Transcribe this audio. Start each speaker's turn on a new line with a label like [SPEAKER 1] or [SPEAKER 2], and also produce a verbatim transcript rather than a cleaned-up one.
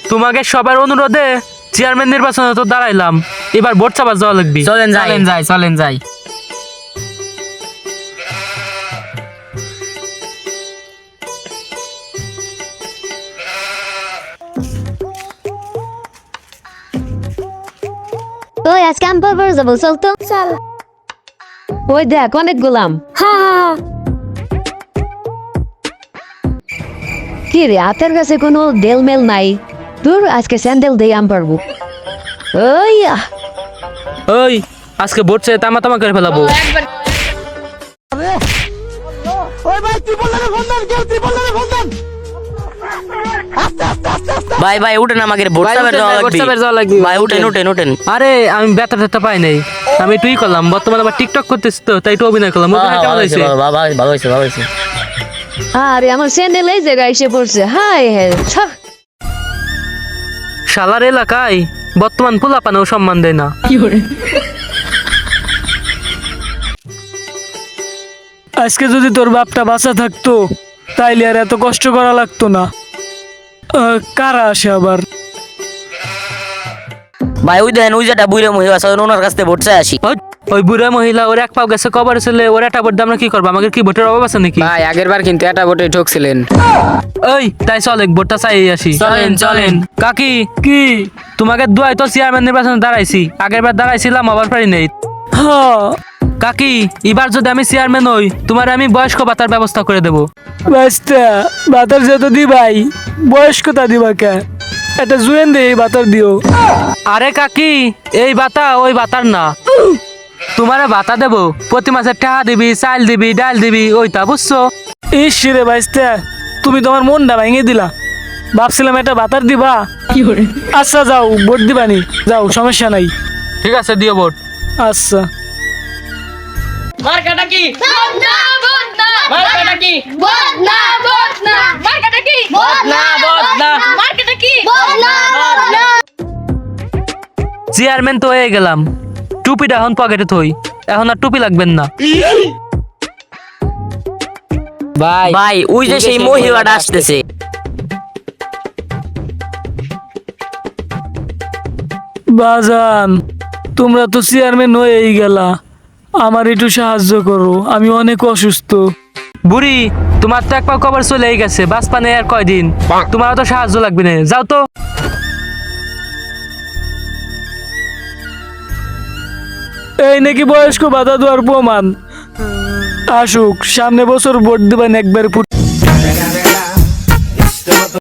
[SPEAKER 1] তোমাকে সবার অনুরোধে চেয়ারম্যান নির্বাচনে তো দাঁড়াইলাম, এবার ভোট চাপা যাওয়া লাগবে।
[SPEAKER 2] চলেন যাই চলেন যাই চলেন যাই
[SPEAKER 3] ওই আজকে আম পারবার যাবো, চল তো। চল।
[SPEAKER 4] ওই দেখ অনেক গোলাম।
[SPEAKER 3] হ্যাঁ
[SPEAKER 4] কি রে হাতের কাছে কোনো দেলমেল নাই? তোর আজকে স্যান্ডেল দিয়ে আম পারবো। ওই আহ,
[SPEAKER 1] ওই আজকে ভোট চেয়ে তামা তামা করে ফেলাবো।
[SPEAKER 2] ভাই ভাই উঠেন, আমাকে ভোট চাপের যাওয়া লাগবে ভাই, উঠেন উঠেন উঠেন।
[SPEAKER 1] আরে আমি ব্যথা ট্যাথা পাই নাই, আমি তুই করলাম, বর্তমানে আবার টিকটক করতেছি তো তাই একটু অভিনয় করলাম। অভিনয় কেমন হয়েছে?
[SPEAKER 2] ভালো হয়েছে ভালো হয়েছে।
[SPEAKER 4] আরে আমার স্যান্ডেল এই জায়গায় এসে পড়ছে। হাই হ্যাঁ ছাড়।
[SPEAKER 1] শালার এলাকায় বর্তমান পোলাপানেও সম্মান দেয় না।
[SPEAKER 5] আজকে যদি তোর বাপটা বাঁচা থাকতো তাইলে আর এত কষ্ট করা লাগতো না। আহ, কারা আসে আবার?
[SPEAKER 2] ভাই ওই দেন ওই যেটা বুড়ে মহিলা আছে ওনার কাছ থেকে ভোট চাই আসি।
[SPEAKER 1] ওই- ওই বুড়া মহিলা ওর এক পাও গেছে কবর ছেলে, ওর একটা ভোট দিয়ে আমরা কি করবো? আমাদের কি ভোটের অভাব আছে নাকি?
[SPEAKER 2] ভাই আগের বার কিন্তু এটা ভোটে ঠকছিলেন।
[SPEAKER 1] ওই তাই চল এক ভোটটা চাই আসি।
[SPEAKER 2] চলেন, চলেন।
[SPEAKER 1] কাকি
[SPEAKER 5] কি?
[SPEAKER 1] তোমাকে দুয়াই তো চেয়ারম্যান নির্বাচনে দাঁড়াইছি, আগের বার দাঁড়াইছিলাম আবার পারি নেই।
[SPEAKER 5] হ্যাঁ
[SPEAKER 1] কাকি এবার যদি আমি চেয়ারম্যান হই তোমার আমি বয়স্ক ভাতার ব্যবস্থা করে দেবো।
[SPEAKER 5] বাস্তা বাতার যত দি ভাই, বয়স্কতা দিবা কে? একটা জুয়েন দে বাতার দিও।
[SPEAKER 1] আরে কাকি এই ভাতা ওই ভাতার না, তোমারে ভাতা দেবো, প্রতি মাসে টাকা দিবি, চাল দিবি, ডাল দিবি, ওইটা বুঝছো?
[SPEAKER 5] ইস রে বাইস্তা, তুমি তোমার মনটা ভেঙে দিলা। ভাবছিলাম একটা বাতার দিবা। আচ্ছা যাও ভোট দিবানি, যাও সমস্যা নাই।
[SPEAKER 1] ঠিক আছে দিও ভোট।
[SPEAKER 5] আচ্ছা
[SPEAKER 2] মার্কাটা কি?
[SPEAKER 3] ভোট না ভোট না
[SPEAKER 2] মার্কাটা কি?
[SPEAKER 3] ভোট না ভোট না মার্কেটে কি ভোট
[SPEAKER 2] না, ভোট না।
[SPEAKER 3] মার্কেটে কি ভোট না ভোট না।
[SPEAKER 1] চেয়ারম্যান তো হয়ে গেলাম, টুপিটা এখন পকেটে থই, এখন আর টুপি লাগবেন না।
[SPEAKER 2] ভাই ভাই ওই যে সেই মহিলাটা আসতেছে।
[SPEAKER 5] বাজান, তোমরা তো চেয়ারম্যান হয়েই গেলা, আমার একটু সাহায্য করো, আমি অনেক অসুস্থ।
[SPEAKER 1] বুড়ি তোমার তো এক পাও কবর চলেই গেছে, বাস পানে আর কয়দিন, তোমার তো সাহায্য লাগবে না, যাও তো।
[SPEAKER 5] এই নাকি বয়স্ক বাধা দেওয়ার প্রমাণ। আসুক সামনে বছর ভোট দিবেন একবার।